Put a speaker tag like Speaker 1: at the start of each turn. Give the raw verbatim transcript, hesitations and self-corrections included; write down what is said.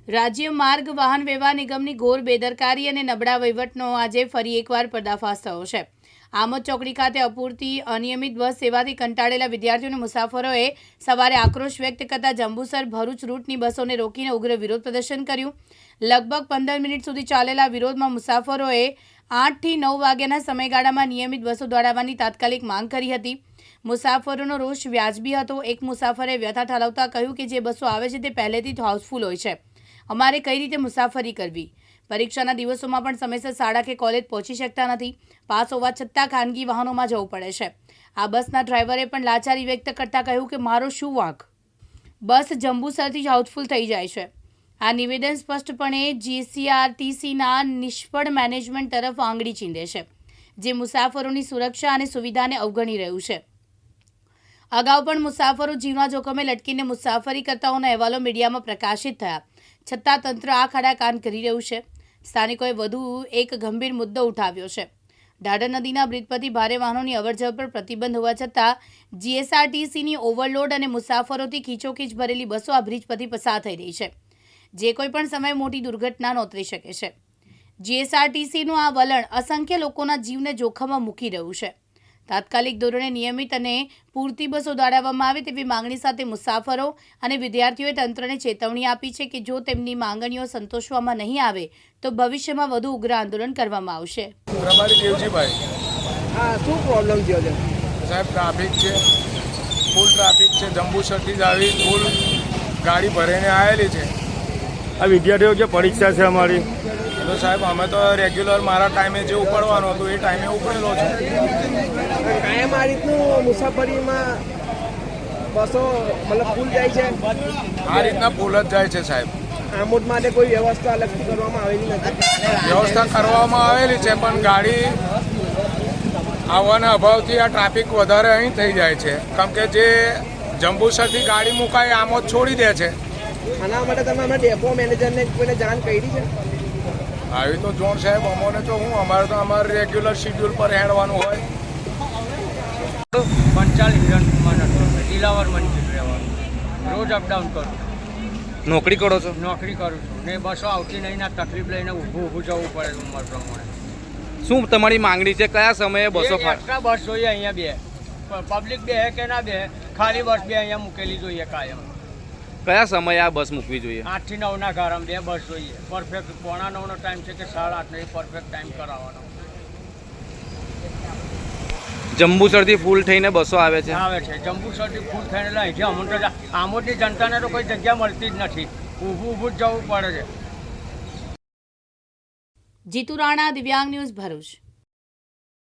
Speaker 1: રાજ્ય માર્ગ વાહન વ્યવહાર નિગમની ઘોર બેદરકારી અને નબળા વહીવટનો આજે ફરી એકવાર પર્દાફાશ થયો છે। આમોદ ચોકડી ખાતે અપૂરતી અનિયમિત બસ સેવાથી કંટાળેલા વિદ્યાર્થીઓ અને મુસાફરોએ સવારે આક્રોશ વ્યક્ત કરતા જંબુસર ભરૂચ રૂટની બસોને રોકીને ઉગ્ર વિરોધ પ્રદર્શન કર્યું। લગભગ પંદર મિનિટ સુધી ચાલેલા વિરોધમાં મુસાફરોએ આઠથી નવ વાગ્યાના સમયગાળામાં નિયમિત બસો દોડાવવાની તાત્કાલિક માંગ કરી હતી। મુસાફરોનો રોષ વ્યાજબી હતો। એક મુસાફરે વ્યથા ઠાલવતા કહ્યું કે જે બસો આવે છે તે પહેલેથી જ હાઉસફુલ હોય છે, અમારે કઈ રીતે મુસાફરી કરવી? પરીક્ષાના દિવસોમાં પણ સમયસર શાળા કે કોલેજ પહોંચી શકતા નથી, પાસ હોવા છતાં ખાનગી વાહનોમાં જવું પડે છે। આ બસના ડ્રાઈવરે પણ લાચારી વ્યક્ત કરતા કહ્યું કે મારો શું વાંક, બસ જંબુસરથી જ હાઉસફુલ થઈ જાય છે। આ નિવેદન સ્પષ્ટપણે જીસીઆરટીસીના નિષ્ફળ મેનેજમેન્ટ તરફ આંગળી ચીંધે છે, જે મુસાફરોની સુરક્ષા અને સુવિધાને અવગણી રહ્યું છે। અગાઉ પણ મુસાફરો જીવના જોખમે લટકીને મુસાફરી કરતા હોવાના અહેવાલો મીડિયામાં પ્રકાશિત થયા, છતાં તંત્ર આ ખાડા કાન કરી રહ્યું છે। સ્થાનિકોએ વધુ એક ગંભીર મુદ્દો ઉઠાવ્યો છે। ઢાઢર નદીના બ્રિજ પરથી ભારે વાહનોની અવરજવર પર પ્રતિબંધ હોવા છતાં જીએસઆરટીસીની ઓવરલોડ અને મુસાફરોથી ખીચોખીચ ભરેલી બસો આ બ્રિજ પરથી પસાર થઈ રહી છે, જે કોઈ પણ સમયે મોટી દુર્ઘટના નોતરી શકે છે। જીએસઆરટીસીનું આ વલણ અસંખ્ય લોકોના જીવને જોખમમાં મૂકી રહ્યું છે। તાત્કાલિક ધોરણે નિયમિત અને પૂરતી બસો દોડાવવામાં આવે તેવી માંગણી સાથે મુસાફરો અને વિદ્યાર્થીઓએ તંત્રને ચેતવણી આપી છે કે જો તેમની માંગણીઓ સંતોષવામાં નહીં આવે તો ભવિષ્યમાં વધુ ઉગ્ર આંદોલન કરવામાં આવશે।
Speaker 2: પ્રભારી દેવજીભાઈ,
Speaker 3: હા, શું પ્રોબ્લેમ થયો છે
Speaker 2: સાહેબ? ટ્રાફિક છે, ફૂલ ટ્રાફિક છે। જંબુસરથી જ આવી ફૂલ ગાડી ભરીને આવેલી છે।
Speaker 4: આ વિદ્યાર્થીઓ જે પરીક્ષા છે અમારી,
Speaker 2: તો સાહેબ અમે તો રેગ્યુલર મારા ટાઈમે જે ઉપડવાનું હતું એ ટાઈમે ઉપડેલો છું।
Speaker 3: કાયમ આ રીતનું મુસાફરીમાં બસો મતલબ ફૂલ જાય છે?
Speaker 2: આ રીતના ફૂલ જ જાય છે સાહેબ।
Speaker 3: આમોદ માટે કોઈ વ્યવસ્થા અલગથી કરવામાં આવેલી નથી?
Speaker 2: વ્યવસ્થા કરવામાં આવેલી છે, પણ ગાડી આવવાના અભાવથી આ ટ્રાફિક વધારે અહીં થઈ જાય છે, કેમ કે જે જંબુસરથી ગાડી મુકાય આમોદ છોડી દે છે।
Speaker 3: આના માટે તમે અમે ડેપો મેનેજરને કોઈને જાણ કરી છે?
Speaker 2: આવી તો જોણ સાહેબ, અમોને તો હું અમારે તો અમારે રેગ્યુલર શિડ્યુલ પર હેડવાનું હોય।
Speaker 5: પંચાલ હિરણકુમાર નટવરભાઈ, દિલાવર મંજિલ રહેવાનું, રોજ અપડાઉન કરું,
Speaker 4: નોકરી કરો છો?
Speaker 5: નોકરી કરું છું ને બસો આવતી નહીં ના તકલીફ લઈને ઊભું ઊભું જવું પડે ઉંમર પ્રમાણે।
Speaker 4: શું તમારી માંગણી છે? કયા સમયે બસો
Speaker 5: એક્સ્ટ્રા બસ જોઈએ અહીંયા બે, પબ્લિક બે કે ના બે, ખાલી બસ બે અહીંયા મૂકેલી જોઈએ કાયમ।
Speaker 4: કયા સમયે આ બસ મૂકવી જોઈએ?
Speaker 5: આઠથી નવના ગારામાં બે બસ જોઈએ, પરફેક્ટ પોણા નવનો ટાઈમ છે કે સાડા આઠનો એ પરફેક્ટ ટાઈમ કરાવવાનો
Speaker 4: જંબુસરથી ફૂલ થઈને બસો આવે છે
Speaker 5: આવે છે જંબુસરથી ફૂલ થઈને અહીંથી અમુક આમોદની જનતાને તો કોઈ જગ્યા મળતી જ નથી, ઊભું ઊભું જ જવું પડે છે।
Speaker 1: જીતુ રાણા, દિવ્યાંગ ન્યૂઝ, ભરૂચ।